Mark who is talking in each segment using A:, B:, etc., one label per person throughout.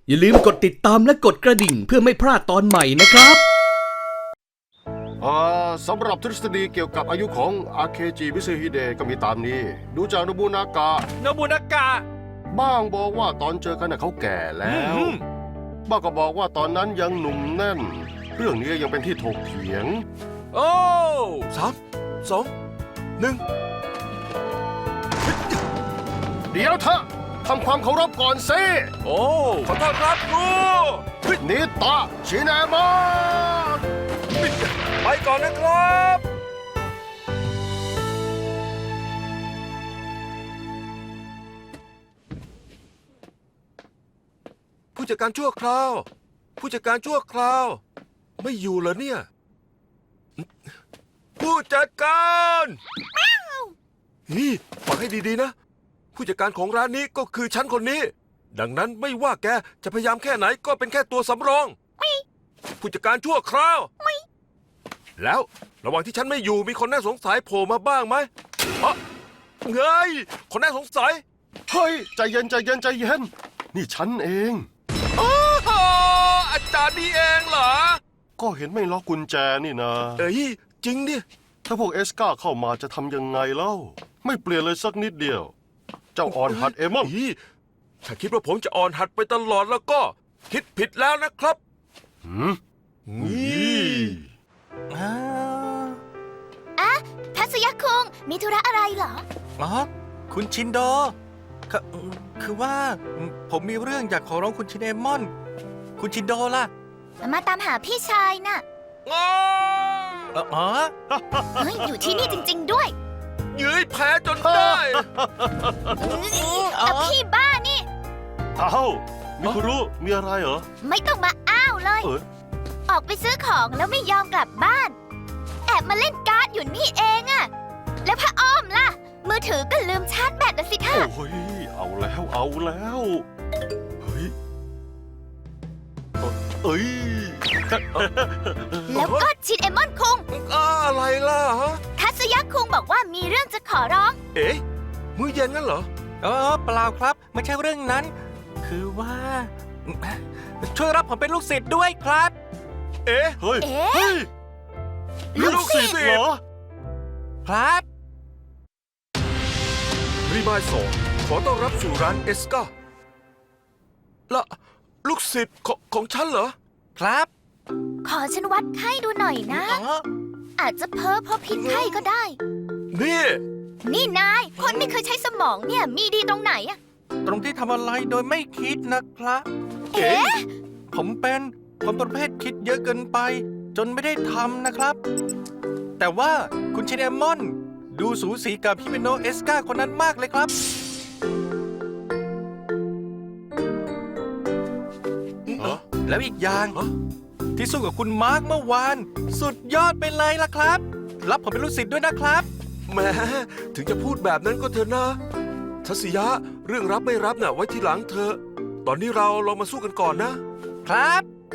A: อย่าลืมกดติดตามและกดกระดิ่งเพื่อไม่พลาดตอนใหม่นะครับ
B: สำหรับทฤษฎีเกี่ยวกับอายุของอาเคจิมิซึฮิเดะก็มีตามนี้ ดูจากโนบุนากะบ้างบอกว่าตอนเจอกันเขาแก่แล้วบ้างก็บอกว่าตอนนั้นยังหนุ่มแน่น เรื่องนี้ยังเป็นที่ถกเถียง
C: โอ้3 2 1
B: เดี๋ยวเถอะทำความเคารพก่อนสิ
C: โอ้ขอโทษครับครู
B: นิตะชินามะ
C: ไปก่อนนะครับ ผู้จัดการชั่วคราว ผู้จัดการชั่วคราว ไม่อยู่เหรอเนี่ย ผู้จัดการนี่ฟังให้ดีๆนะ ผู้จัดการของร้านนี้ก็คือฉันคนนี้ ดังนั้นไม่ว่าแกจะพยายามแค่ไหนก็เป็นแค่ตัวสำรอง ผู้จัดการชั่วคราว แล้วระหว่างที่ฉันไม่อยู่มีคนน่าสงสัยโผล่มาบ้างไหมเฮ้ยคนน่าสงสัย
B: เฮ้ยใจเย็นนี่ฉันเอง
C: อาจารย์นี่เองเหรอ
B: ก็เห็นไม่ล็อกกุญแจนี่นะ
C: เอ้ยจริงดิ
B: ถ้าพวกเอสกาเข้ามาจะทำยังไงเล่าไม่เปลี่ยนเลยสักนิดเดียว เจ้าอ่อนหัดเอมอน
C: ถ้าคิดว่าผมจะอ่อนหัดไปตลอดแล้วก็คิดผิดแล้วนะครับ
B: นี่
D: ทัศยะคุงมีธุระอะไรเหรอ
E: อ๋อคุณชินโดคือว่าผมมีเรื่องอยากขอร้องคุณชินเอมอน คุณชินโดล่ะ
D: มาตามหาพี่ชายน่ะ
E: อ๋อ
D: เฮ้ยอยู่ที่นี่จริง ๆ ด้วย
C: ยื้อแพ้จนได้
D: พี่บ้านี่
B: เอ้ามิคุรุมีอะไรเหรอ
D: ไม่ต้องมาอ้าวเลย ออกไปซื้อของแล้วไม่ยอมกลับบ้าน แอบมาเล่นการ์ดอยู่นี่เองอะแล้วผ้าอ้อมล่ะ มือถือก็ลืมชาร์จแบตนะสิท่า
B: โอ้ยเอาแล้วเฮ้ยเอ้ย
D: แล้วก็ชินเอมอนคุง
C: อะไรล่ะฮะ
D: ทัศยะคุงบอกว่ามีเรื่องจะขอร้อง
C: เอ๊ะมื้อเย็นงั้นเหรอ
E: เปล่าครับ ไม่ใช่เรื่องนั้น คือว่า ช่วยรับผมเป็นลูกศิษย์ด้วยครับ
C: เอ๊ะ
B: เฮ้ย
D: เอ๊ะ
B: เฮ้ย
D: ลูกศิษย์
B: เหรอ
E: ครับ
C: รีมาย2ขอต้อนรับสู่ร้านเอสกาละลูกศิษย์ของฉันเหรอ
E: ครับ
D: ขอฉันวัดไข้ดูหน่อยนะ อาจจะเพ้อเพราะพิษไข้ก็ได้
C: นี่
D: นี่นาย คนไม่เคยใช้สมองเนี่ยมีดีตรงไหนอะ
E: ตรงที่ทำอะไรโดยไม่คิดนะครับ
D: เอ๊ะ
E: ผมเป็นคนประเภทคิดเยอะเกินไป จนไม่ได้ทำนะครับ แต่ว่าคุณชินเอมอน ดูสูสีกับพี่เปโนเอสกาคนนั้นมากเลยครับ แล้วอีกอย่าง ที่สู้กับคุณมาร์คเมื่อวาน สุดยอดไปเลยล่ะครับ รับผมเป็นลูกศิษย์ด้วยนะครับ
C: แหมถึงจะพูดแบบนั้นก็เถอะนะทัศยะเรื่องรับไม่รับน่ะไว้ทีหลังเถอะตอนนี้เราลองมาสู้กันก่อนนะครับ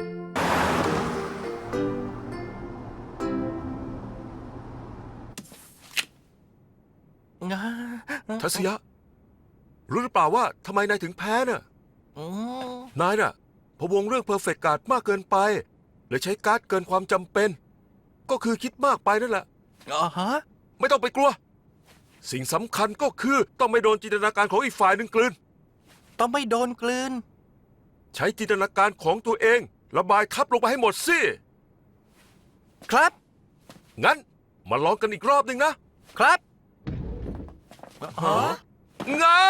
C: ทัศยะรู้หรือเปล่าว่าทำไมนายถึงแพ้น่ะนายน่ะพะวงเรื่องเพอร์เฟกต์การ์ดมากเกินไปเลยใช้การ์ดเกินความจำเป็น ก็คือคิดมากไปนั่นแหละไม่ต้องไปกลัว สิ่งสำคัญก็คือต้องไม่โดนจินตนาการของอีกฝ่ายหนึ่งกลืน
E: ต้องไม่โดนกลืน
C: ใช้จินตนาการของตัวเองระบายทับลงไปให้หมดสิ
E: ครับ
C: งั้นมาลองกันอีกรอบหนึ่งนะครับงา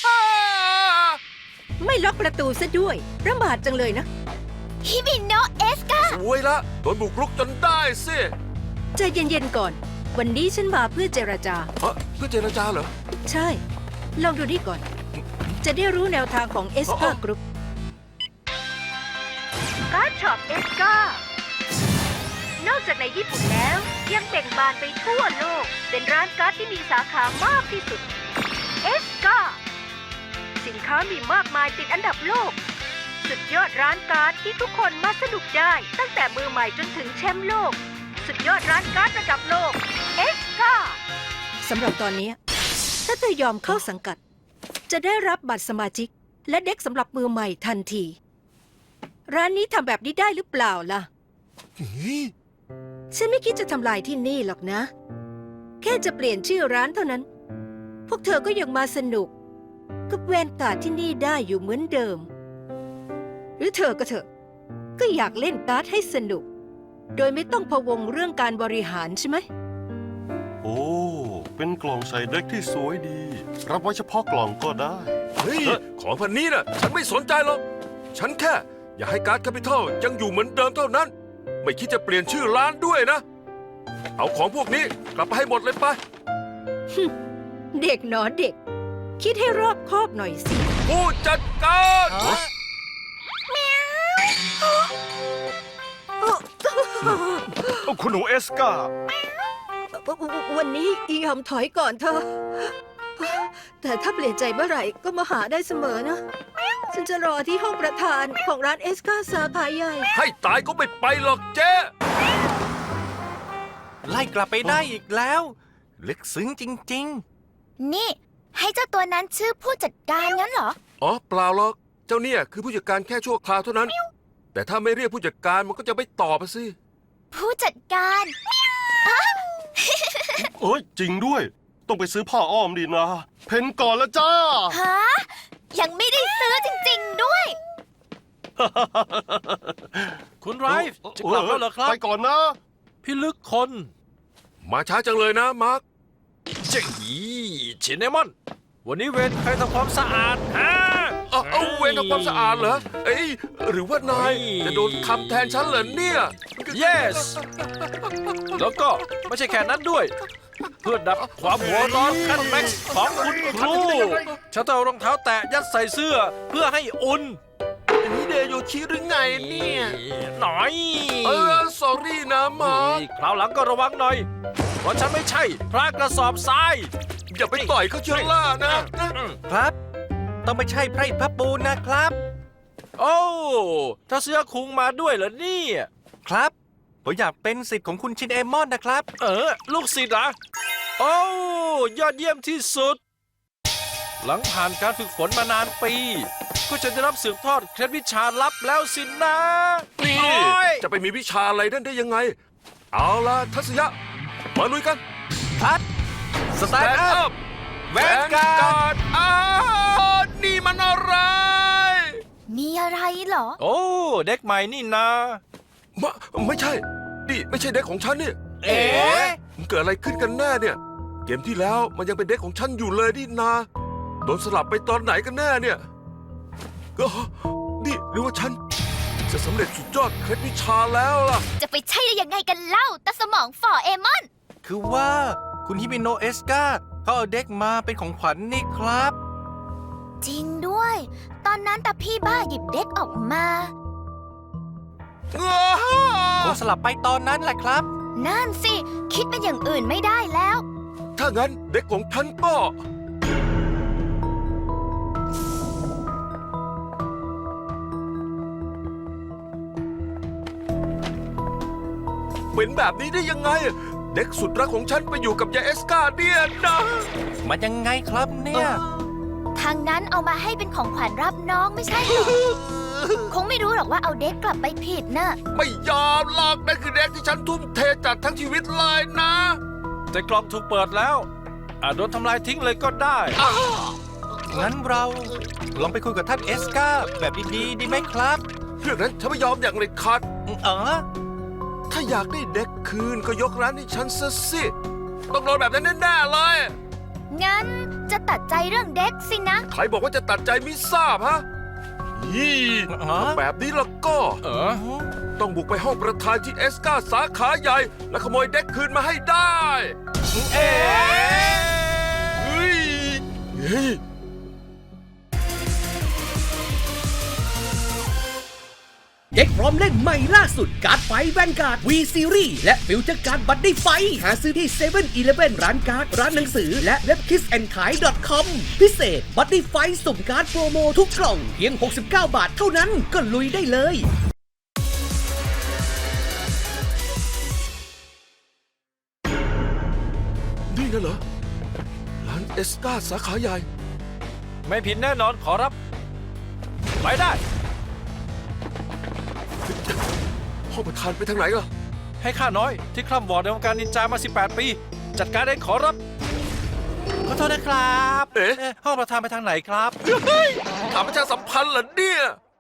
F: ไม่ล็อกประตูซะด้วยประมาทจังเลยนะ
D: ฮิบิโนะเอสกา
C: สวยละโดนบุกรุกจนได้สิ
F: ใจเย็นๆก่อน วันนี้ฉันมาเพื่อเจรจา
C: เพื่อเจรจาเหรอ
F: ใช่ ลองดูนี่ก่อน จะได้รู้แนวทางของเอสกากรุ๊ปการ์ดช็อปเอสกานอกจากในญี่ปุ่นแล้ว ยังเบ่งบานไปทั่วโลก เป็นร้านการ์ดที่มีสาขามากที่สุดเอสกาสินค้ามีมากมายติดอันดับโลก สุดยอดร้านการ์ดที่ทุกคนมาสนุกได้ตั้งแต่มือใหม่จนถึงแชมป์โลก สุดยอดร้านการ์ดระดับโลกเอสกาสำหรับตอนนี้ ถ้าเธอยอมเข้าสังกัด จะได้รับบัตรสมาชิก และเด็กสำหรับมือใหม่ทันที
G: ร้านนี้ทำแบบนี้ได้หรือเปล่าล่ะ ฉันไม่คิดจะทำลายที่นี่หรอกนะ แค่จะเปลี่ยนชื่อร้านเท่านั้น พวกเธอก็ยังมาสนุก กับแวนการ์ดที่นี่ได้อยู่เหมือนเดิม หรือเธอก็เถอะ ก็อยากเล่นการ์ดให้สนุก โดยไม่ต้องพะวงเรื่องการบริหารใช่ไหม
B: โอ้ เป็นกล่องใส่เด็กที่สวยดี รับไว้เฉพาะกล่องก็ได้
C: เฮ้ย ของพันนี้น่ะ ฉันไม่สนใจหรอก ฉันแค่ อยากให้การ์ดแคปิตอลยังอยู่เหมือนเดิมเท่านั้น ไม่คิดจะเปลี่ยนชื่อร้านด้วยนะ เอาของพวกนี้กลับไปให้หมดเลยไป
G: เด็กหนอเด็ก คิดให้รอบคอบหน่อยสิ
C: ผู้จัดการ
B: คุณหนูเอสกา
G: วันนี้ยอมถอยก่อนเธอะแต่ถ้าเปลี่ยนใจเมื่อไหร่ก็มาหาได้เสมอนะ ฉันจะรอที่ห้องประธานของร้านเอสกาสาขาใหญ่
C: ให้ตายก็ไม่ไปหรอกเจ๊
E: ไล่กลับไปได้อีกแล้ว ลึกซึ้งจริง
D: นี่ ให้เจ้าตัวนั้นชื่อผู้จัดการงั้นเหรอ
C: อ๋อเปล่าหรอก เจ้าเนี่ยคือผู้จัดการแค่ชั่วคราวเท่านั้น แต่ถ้าไม่เรียกผู้จัดการมันก็จะไม่ตอบอะสิ
D: ผู้จัดการ
B: เอ้ย จริงด้วย ต้องไปซื้อผ้าอ้อมดีนะ เพนก่อนแล้วจ้า
D: ฮะ ยังไม่ได้ซื้อจริงๆด้วย
E: ๆ คุณไรฟ์จะกลับแล้วเหรอครับ
B: ไปก่อนนะ
E: พี่ลึกคน
C: มาช้าจังเลยนะมาร์ค
E: เจ๋ยชินเนมอน วันนี้เวนใครทำความสะอาดฮะ
C: เอาเวรทำความสะอาดเหรอ เอ้ยหรือว่านายจะโดนคำแทนฉันเหรอเนี่ย
E: yes แล้วก็ไม่ใช่แค่นั้นด้วย เพื่อดับความหัวร้อนขั้นแม็กซ์ของคุณครูฉันต้องเอารองเท้าแตะยัดใส่เสื้อเพื่อให้อุ่น
C: อันนี้เดโยชิหรือไงเนี่ย
E: หน่อย
C: sorry นะมาร์ค
E: คราวหลังก็ระวังหน่อย เพราะฉันไม่ใช่พระกระสอบทราย
C: อย่าไปต่อยเขาเชียวล่านะ
E: ครับ ต้องไม่ใช่ไพร่พระปูนนะครับ โอ้ถ้าเสื้อคุงมาด้วยเหรอเนี่ยครับผมอยากเป็นศิษย์ของคุณชินเอมอนนะครับ ลูกศิษย์เหรอโอ้ยอดเยี่ยมที่สุด หลังผ่านการฝึกฝนมานานปี ก็จะได้รับสืบทอดเคล็ดวิชาลับแล้วสินะ
C: นี่
E: โอ้ย
C: จะไปมีวิชาอะไรนั่นได้ยังไง เอาล่ะทัศยะ มาลุยกัน
E: พัดสแตนด์อัพ แวนการ์ด
C: อ้าวนี่มันอะไร
D: มีอะไรเหรอ
E: โอ้เด็กใหม่นี่นา
C: ไม่ใช่ นี่ไม่ใช่เด็กของฉันนี่
E: เอ๋
C: มันเกิดอะไรขึ้นกันแน่เนี่ย เกมที่แล้วมันยังเป็นเด็กของฉันอยู่เลยนี่นา โดนสลับไปตอนไหนกันแน่เนี่ยก็นี่หรือว่าฉันจะสำเร็จสุดยอดเคล็ดวิชาแล้วล่ะ
D: จะไปใช่ได้ยังไงกันเล่าตาสมองฝ่อเอมอน
E: คือว่าคุณฮิมิโนะเอสกาเขาเอาเด็กมาเป็นของขวัญนี่ครับ
D: จริงด้วย ตอนนั้นตาพี่บ้าหยิบเด็กออกมา
E: คงสลับไปตอนนั้นแหละครับ
D: นั่นสิ คิดเป็นอย่างอื่นไม่ได้แล้ว
C: ถ้างั้นเด็กของฉันก็ เป็นแบบนี้ได้ยังไง เด็กสุดรักของฉันไปอยู่กับยายเอสกาเนี่ยนะ
E: มันยังไงครับเนี่ย
D: ทางนั้นเอามาให้เป็นของขวัญรับน้องไม่ใช่เหรอ คงไม่รู้หรอกว่าเอาเด็กกลับไปผิดน่ะ
C: ไม่ยอมหรอกนั่นคือเด็กที่ฉันทุ่มเทจัดทั้งชีวิตเลยนะ
E: แต่กล่องถูกเปิดแล้วอาจโดนทำลายทิ้งเลยก็ได้ งั้นเราลองไปคุยกับท่านเอสกาแบบดีๆดีไหมครับ
C: เรื่องนั้นฉันไม่ยอมอย่างเด็ดขาด ถ้าอยากได้เด็กคืนก็ยกร้านให้ฉันซะสิ ต้องโดนแบบนั้นแน่ๆเลย
D: งั้นจะตัดใจเรื่องเด็กสินะ
C: ใครบอกว่าจะตัดใจไม่ทราบฮะยี่ถ้าแบบนี้แล้วก็ ต้องบุกไปห้องประธานที่เอสกาสาขาใหญ่ และขโมยเด็กคืนมาให้ได้ เฮ้ย
A: เด็กพร้อมเล่นใหม่ล่าสุดการ์ดไฟแวนการ์ด V Series และฟิวเจอร์การ์ดบัตตี้ไฟหาซื้อที่7 e เ e ่ e ร้านการ์ด ร้านหนังสือ และเว็บ kissandkai.com พิเศษบัตตี้ไฟสุ่มการ์ดโปรโมทุกกล่องเพียง69 บาทเท่านั้นก็ลุยได้เลย
C: นี่น่ะเหรอ ร้านเอสกาสาขาใหญ่
E: ไม่ผิดแน่นอนขอรับ ไปได้
C: ห้องประธานไปทางไหนล่ะ
E: ให้ข้าน้อยที่คล่ำวอดในวงการนินจามา 18 ปี จัดการเองขอรับ ขอโทษนะครับ
C: เอ๊ะ
E: ห้องประธานไปทางไหนครับ
C: ถามประชาสัมพันธ์เหรอเนี่ย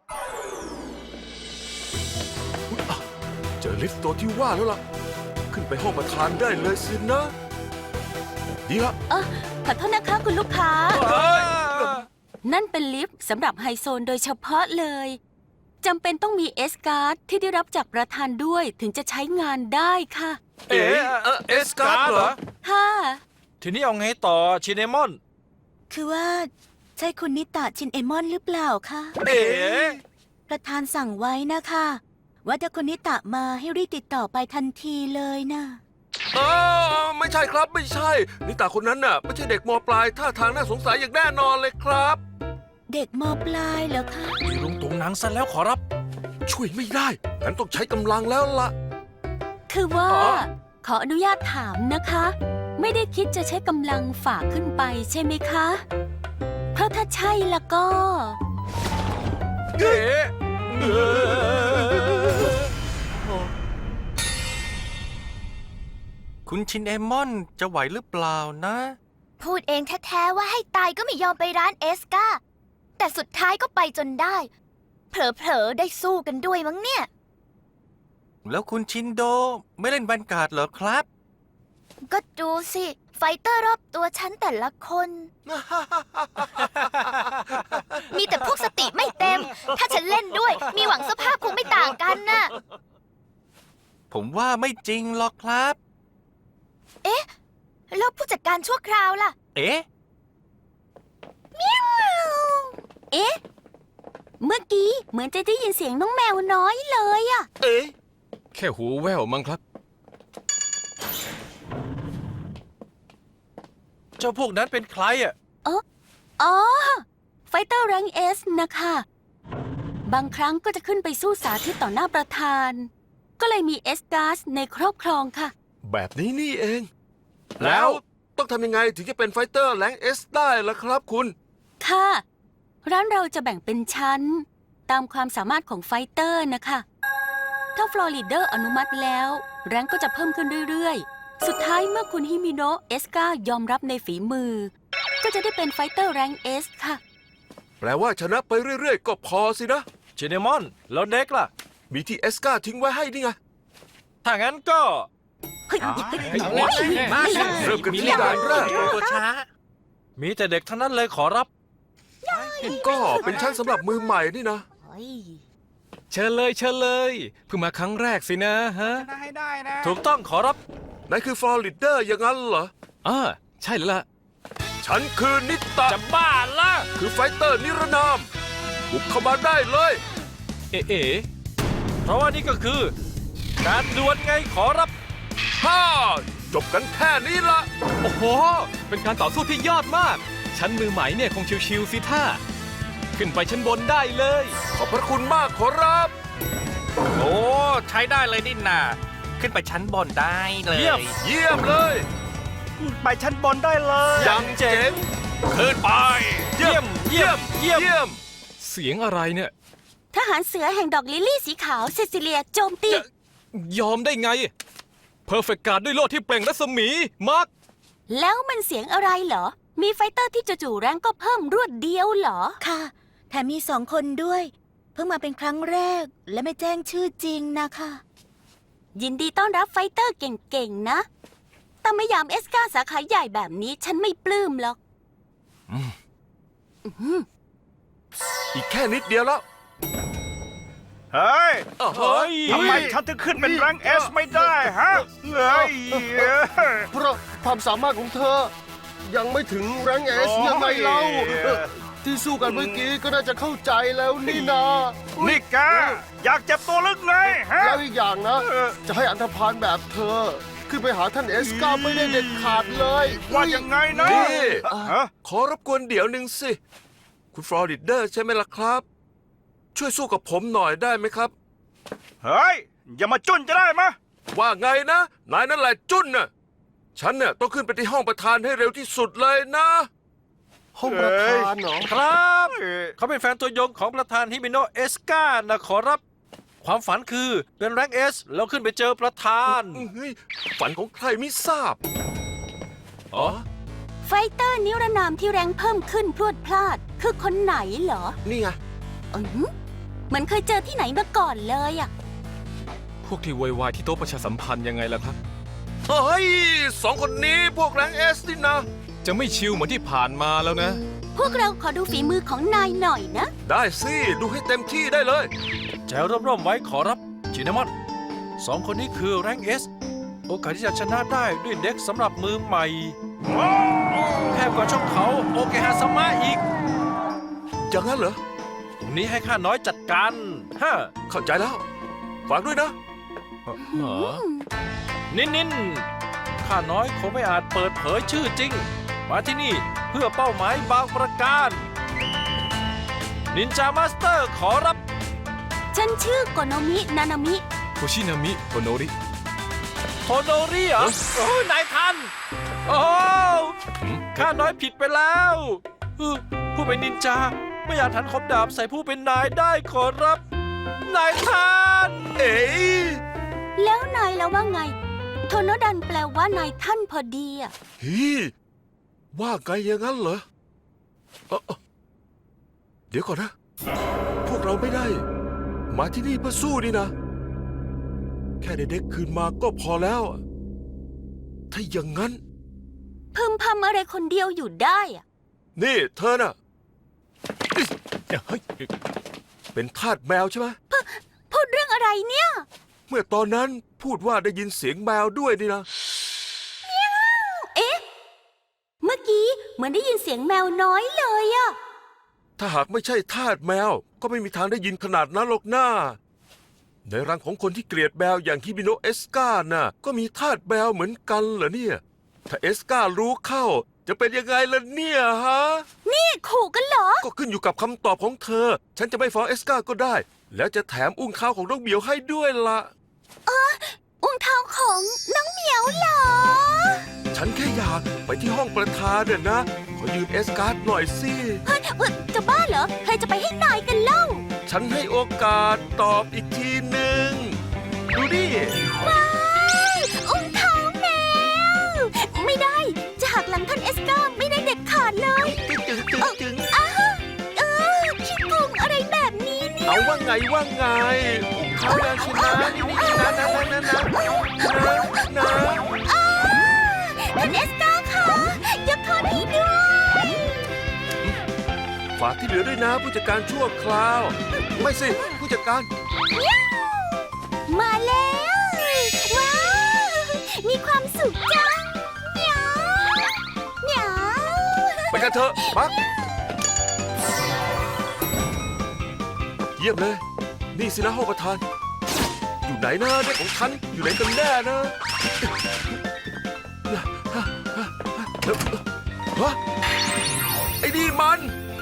C: อุ๊ยอ่ะเจอลิฟต์ตัวที่ว่าแล้วล่ะ ขึ้นไปห้องประธานได้เลยสินะ ดีละ
H: ขอโทษนะคะคุณลูกค้า นั่นเป็นลิฟต์สำหรับไฮโซนโดยเฉพาะเลยจำเป็นต้องมีเอสการ์ดที่ได้รับจากประธานด้วยถึงจะใช้งานได้ค่ะ
E: เอ๊ะ
C: เอสการ์ดเหรอ
H: ค่ะ
E: ทีนี้เอาไงต่อชินเอมอน
H: คือว่าใช่คุณนิตะชินเอมอนหรือเปล่าคะ
E: เอ๋
H: ประธานสั่งไว้นะคะ ว่าถ้าคุณนิตะมาให้รีบติดต่อไปทันทีเลยนะ
C: ไม่ใช่ครับไม่ใช่ นิตาคนนั้นน่ะไม่ใช่เด็กมปลายท่าทางน่าสงสัยอย่างแน่นอนเลยครับ
H: เด็กมปลายเหรอคะ
E: มีลุงตุงหนังซะแล้วขอรับ
C: ช่วยไม่ได้งั้นต้องใช้กำลังแล้วล่ะ
H: คือว่า
C: อ๋อ
H: ขออนุญาตถามนะคะ ไม่ได้คิดจะใช้กำลังฝ่าขึ้นไปใช่ไหมคะ เพราะถ้าใช่แล้วก็
E: เอ๋คุณชินเอมอนจะไหวหรือเปล่านะ
D: พูดเองแท้ๆว่าให้ตายก็ไม่ยอมไปร้านเอสกาแต่สุดท้ายก็ไปจนได้ เผลอๆได้สู้กันด้วยมั้งเนี่ย
E: แล้วคุณชินโดไม่เล่นแวนการ์ดเหรอครับ
D: ก็ดูสิ ไฟเตอร์รอบตัวฉันแต่ละคน มีแต่พวกสติไม่เต็ม ถ้าฉันเล่นด้วย มีหวังสภาพคงไม่ต่างกันน่ะ
E: ผมว่าไม่จริงหรอกครับ
D: แล้วผู้จัดการชั่วคราวล่ะ
E: เอ๊ะ
H: เอ๊ะ เมื่อกี้เหมือนจะได้ยินเสียงน้องแมวน้อยเลยอะ
C: เอ๊ะ
I: แค่หูแว่วมั้งครับ
E: เจ้าพวกนั้นเป็นใครอ่ะ
H: อ๋อ ไฟเตอร์แรงเอสนะคะ บางครั้งก็จะขึ้นไปสู้สาธิตต่อหน้าประธาน ก็เลยมีเอสการ์สในครอบครองค่ะ
C: แบบนี้นี่เอง
E: แล้
C: แล้ว วต้องทำยังไงถึงจะเป็นไฟเตอร์แรงเอสได้ล่ะครับคุณ
H: ค่ะ ร้านเราจะแบ่งเป็นชั้น ตามความสามารถของไฟเตอร์นะคะ ถ้าฟลอริเดอร์อนุมัติแล้ว แรงก็จะเพิ่มขึ้นเรื่อยๆ สุดท้ายเมื่อคุณฮิมิโนะเอสกายอมรับในฝีมือ ก็จะได้เป็นไฟเตอร์แรงเอสค่ะ
C: แปลว่าชนะไปเรื่อยๆ ก็พอสินะ
E: ชินเอมอน แล้วเด็กล่ะ
C: มีที่เอสกาทิ้งไว้ให้นี่ไง
E: ถ้างั้นก็
H: เฮ้ย
E: มา
C: เริ่มกันที่ด่านแรก
E: ตัวช้า มีแต่เด็กทั้งนั้นเลยขอรับ
C: ก็เป็นชั้นสำหรับมือใหม่นี่นะ
I: เชิญเลยเชิญเลยเพิ่งมาครั้งแรกสินะฮะ
E: ถูกต้องขอรับ
C: นายคือฟลอริเดอร์อย่างนั้นเหรอ
I: ใช่แล้วล่ะ
C: ฉันคือนิตะ
E: จะบ้าละ
C: คือไฟเตอร์นิรนาม บุกเข้ามาได้เลย
I: เอ๋
E: เพราะว่านี่ก็คือ การดวลไงขอรับ
C: ฮ่า จบกันแค่นี้ละ
I: โอ้โห เป็นการต่อสู้ที่ยอดมาก ชั้นมือใหม่เนี่ยคงชิวๆสิท่า ขึ้นไปชั้นบนได้เลย
C: ขอบพระคุณมากขอรับ
E: โอ้ใช้ได้เลยนี่นาขึ้นไปชั้นบนได้เลย
C: เยี่ยมเลย
E: ไปชั้นบนได้เลย
C: ยังเจ๋ง
E: ขึ้นไป เยี่ยมเยี่ยมเยี่ยม
C: เยี่ยม
I: เสียงอะไรเนี่ย
H: ทหารเสือแห่งดอกลิลลี่สีขาวเซซิเลียโจมตี
I: ยอมได้ไง เพอร์เฟกการ์ดด้วยโล่ที่เปล่งรัศมี มาร์ค
H: แล้วมันเสียงอะไรเหรอ มีไฟเตอร์ที่จู่ๆแรงก็เพิ่มรวดเดียวเหรอ ค่ะ แถมมี2 คนด้วย เพิ่งมาเป็นครั้งแรก และไม่แจ้งชื่อจริงนะคะ ยินดีต้อนรับไฟเตอร์เก่งๆ นะ แต่ไม่ยามเอสกาสาขาใหญ่แบบนี้ฉันไม่ปลื้มหรอก
C: อีกแค่นิดเดียวแล้ว
E: เฮ้ย
C: เฮ้ย
E: ทำไมฉันถึงขึ้นเป็นแรงเอสไม่ได้ฮะเฮ้ย
B: เพราะความสามารถของเธอ ยังไม่ถึงแรงเอสยังไงเล่าที่สู้กันเมื่อกี้ก็น่าจะเข้าใจแล้วนี่นา
E: นี่แกอยากเจ็บตัวลึกไงฮะ
B: แล้วอีกอย่างนะ จะให้อันธพาลแบบเธอ ขึ้นไปหาท่านเอสกาไม่ได้เด็ดขาดเลย
E: ว่ายังไงนะ
C: นี่
E: ฮะ
C: ขอรบกวนเดี๋ยวหนึ่งสิ คุณฟลอริเดอร์ใช่ไหมล่ะครับ ช่วยสู้กับผมหน่อยได้ไหมครับ
E: เฮ้ย อย่ามาจุ้นจะได้มะ
C: ว่าไงนะ นายนั่นแหละจุ้นน่ะ ฉันเนี่ยต้องขึ้นไปที่ห้องประธานให้เร็วที่สุดเลยนะ
B: ห้องประธานเหรอ
E: ครับ เขาเป็นแฟนตัวยงของประธานฮิมิโนะเอสกานะขอรับความฝันคือเป็นแรงเอสแล้วขึ้นไปเจอประธาน
C: เฮ้ยฝันของใครไม่ทราบ อ๋อ
H: ไฟเตอร์นิรนามที่แรงเพิ่มขึ้นพรวดพลาด คือคนไหนเหรอ
C: นี่ไง
H: เหมือนเคยเจอที่ไหนมาก่อนเลยอะ
I: พวกที่โวยวายที่โต๊ะประชาสัมพันธ์ยังไงล่ะครับ
C: เฮ้ยสองคนนี้พวกแรงเอสนี่นะ
I: จะไม่ชิลเหมือนที่ผ่านมาแล้วนะ
H: พวกเราขอดูฝีมือของนายหน่อยนะ
C: ได้สิ ดูให้เต็มที่ได้เลย
E: แจวร่มๆไว้ขอรับชินามอนสองคนนี้คือแรงเอสโอกาสที่จะชนะได้ด้วยเด็กสำหรับมือใหม่แคบกว่าช่องเขาโอเคฮาสมะอีก
C: อย่างนั้นเหรอ
E: ตรงนี้ให้ข้าน้อยจัดการฮะ
C: เข้าใจแล้ว ฝากด้วยนะ
E: นินข้าน้อยคงไม่อาจเปิดเผยชื่อจริง มาที่นี่เพื่อเป้าหมายบางประการนินจามาสเตอร์ขอรับ
H: ฉันชื่อโกโนมินานามิ
I: โคชินามิโคโนริ
E: โทโนริเหรอโอ้ยนายทัน โอ้ข้าน้อยผิดไปแล้วผู้เป็นนินจาไม่อยากทันคมดาบใส่ผู้เป็นนายได้ขอรับ นายทัน
C: เอ๋ย
H: แล้วนายแล้วว่าไง โทโนดันแปลว่านายท่านพอดีอะ
C: ฮีว่าไงอย่างนั้นเหรอเดี๋ยวก่อนนะ พวกเราไม่ได้ มาที่นี่เพื่อสู้นี่นะ แค่ได้เด็กคืนมาก็พอแล้ว ถ้าอย่างนั้น
H: พึมพำอะไรคนเดียวอยู่ได้อะ
C: นี่เธอน่ะเฮ้ยเป็นทาสแมวใช่ไหม
H: พูดเรื่องอะไรเนี่ย
C: เมื่อตอนนั้นพูดว่าได้ยินเสียงแมวด้วยนี่นะ
H: เอ๊ะ เมื่อกี้เหมือนได้ยินเสียงแมวน้อยเลยอะ
C: ถ้าหากไม่ใช่ทาสแมวก็ไม่มีทางได้ยินขนาดนั้นหรอกหน้า ในรังของคนที่เกลียดแมวอย่างฮิบิโนะเอสกาน่ะก็มีทาสแมวเหมือนกันเหรอเนี่ย ถ้าเอสการู้เข้าจะเป็นยังไงล่ะเนี่ยฮะ
H: นี่ขู่กันเหรอ
C: ก็ขึ้นอยู่กับคำตอบของเธอ ฉันจะไม่ฟ้องเอสกาก็ได้ แล้วจะแถมอุ้งเท้าของน้องเหมียวให้ด้วยล่ะ
H: อุ้งเท้าของน้องเหมียวเหรอ
C: ฉันแค่อยากไปที่ห้องประธานเนี่ยนะ ขอยืมเอสการ์ดหน่อยสิ
H: เฮ้ยจะบ้าเหรอ ใครจะไปให้นายกันเล่า
C: ฉันให้โอกาสตอบอีกทีหนึ่ง ดูดิ
H: ว้ายอุ้งเท้าแมว ไม่ได้ จะหักหลังท่านเอสกาไม่ได้เด็ดขาดเลย
C: จึง
H: ขี้โกงอะไรแบบนี้เนี่ย
C: เอาว่าไงอุ้งเขาแล้วชนะนี่นะนะ
H: ท่านเอสกาค่ะยกโทษให้ด้วย
C: ฝากที่เหลือด้วยนะผู้จัดการชั่วคราว ไม่สิผู้จัดการ
H: มาแล้ว ว้าว มีความสุขจังเหมียวเหมียว
C: ไปกันเถอะปักเยี่ยมเลย นี่สินะห้องประธาน อยู่ไหนนะเด็กของฉันอยู่ไหนกันแน่นะฮะไอ้นี่มัน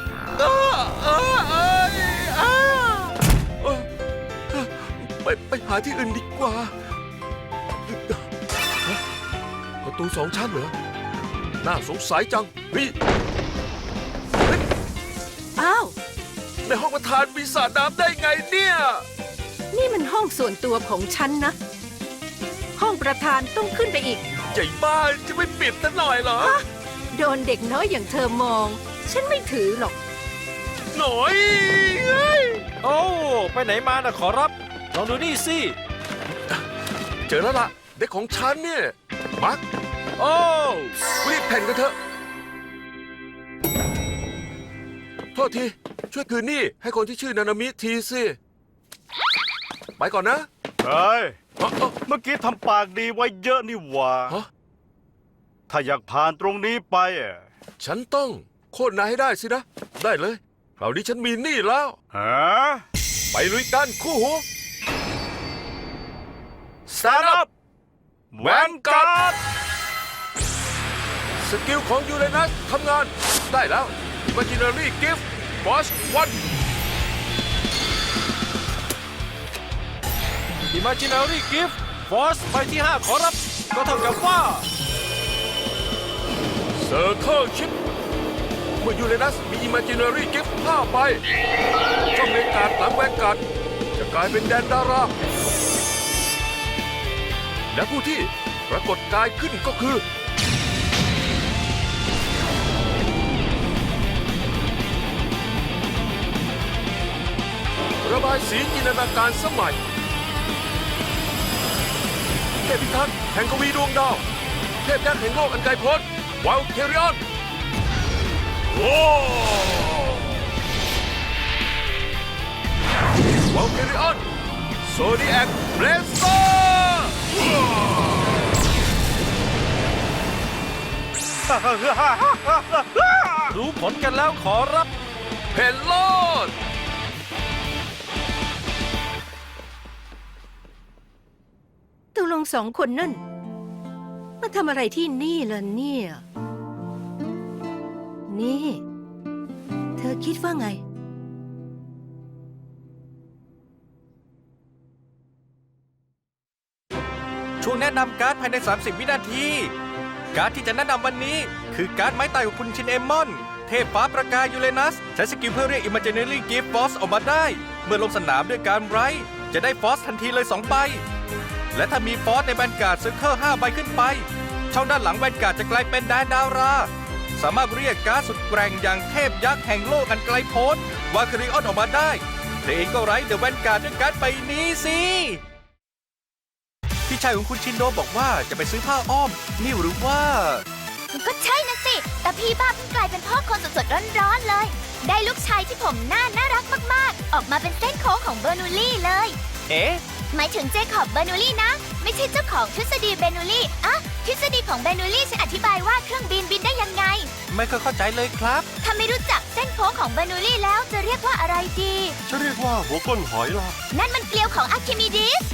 C: ไปหาที่อื่นดีกว่าประตู2 ชั้นเหรอ น่าสงสัยจังเฮ้ย
G: อ้าว
C: ในห้องประธานมีสระน้ำได้ไงเนี่ย
G: นี่มันห้องส่วนตัวของฉันนะ ห้องประธานต้องขึ้นไปอีก
C: ใหญ่บ้านจะไม่ปิดซะหน่อยเหรอ
G: โดนเด็กน้อยอย่างเธอมอง ฉันไม่ถือหรอก
C: หน่อยเฮ้ย
E: โอ้ไปไหนมานะขอรับ ลองดูนี่สิ
C: เจอแล้วล่ะ เด็กของฉันเนี่ย มัก
E: โอ้
C: รีบแผ่นกันเถอะ โทษที ช่วยคืนหนี่ให้คนที่ชื่อนานามิทีสิ ไปก่อนนะ
J: เฮ้ย
C: เอ้า
J: เมื่อกี้ทำปากดีไว้เยอะนี่หว่า
C: ฮะ
J: ถ้าอยากผ่านตรงนี้ไปอะ
C: ฉันต้องโค่นนายให้ได้สินะ ได้เลยคราวนี้ฉันมีหนี้แล้ว
J: ฮะ
C: ไปลุยกันคู่หู
J: Stand up แวนการ์ด
C: สกิลของยูเรนัสทำงาน ได้แล้ว Imaginary Gift Force 1
E: Imaginary Gift Force ใบที่ 5 ขอรับ ก็เท่ากับว่า
C: Circle Chip เมื่อยูเรนัสมี Imaginary Gift 5 ใบช่องในการดหลังแวนการ์ดจะกลายเป็นแดนดารา และผู้ที่ปรากฏกายขึ้นก็คือ ระบายสีจินตนาการสมัยเทพพิทักษ์แห่งกวีดวงดาว เทพยักษ์แห่งโลกอันไกลโพ้นวาลเคริออนโว้วาลเคริออนโซดิแอคเบรสเซอร์
E: รู้ผลกันแล้วขอรับ
C: เพนโลด
G: ตกลงสองคนนั่นมาทำอะไรที่นี่ล่ะเนี่ย นี่ เธอคิดว่าไง
E: ช่วงแนะนำการ์ดภายใน 30 วินาที การ์ดที่จะแนะนำวันนี้ คือการ์ดไม้ตายของคุณชินเอมอน เทพฟ้าประกายยูเรนัส ใช้สกิลเพื่อเรียก Imaginary Gift Force ออกมาได้ เมื่อลงสนามด้วยการไรท์จะได้ฟอสทันทีเลย 2 ใบ และถ้ามีฟอสในแวนการ์ดเซอร์เคิล5 ใบขึ้นไป ช่องด้านหลังแวนการ์ดจะกลายเป็นแดนดารา สามารถเรียกการ์ดสุดแกร่งอย่างเทพยักษ์แห่งโลกอันไกลโพ้นวาคาริออนออกมาได้เธอเองก็ไรท์เดอะแวนการ์ดด้วยการ์ดใบนี้สิพี่ชายของคุณชินโดบอกว่าจะไปซื้อผ้าอ้อม นี่หรือว่า
D: ก็ใช่นะสิ แต่พี่บ้าเพิ่งกลายเป็นพ่อคนสดๆร้อนๆเลย ได้ลูกชายที่ผมน่ารักมากๆ ออกมาเป็นเส้นโค้งของเบอร์นูลี่เลย
E: เอ๊ะ
D: หมายถึงเจคอบเบอร์นูลี่นะ ไม่ใช่เจ้าของทฤษฎีเบอร์นูลี่อะทฤษฎีของเบอร์นูลี่ฉันอธิบายว่าเครื่องบินบินได้ยังไง
E: ไม่เคยเข้าใจเลยครับ
D: ถ้าไม่รู้จักเส้นโค้งของเบอร์นูลี่แล้วจะเรียกว่าอะไรดี
B: จะเรียกว่าหัวก้นหอยล่ะ
D: นั่นมันเกลียวของอะร์คิมิดีส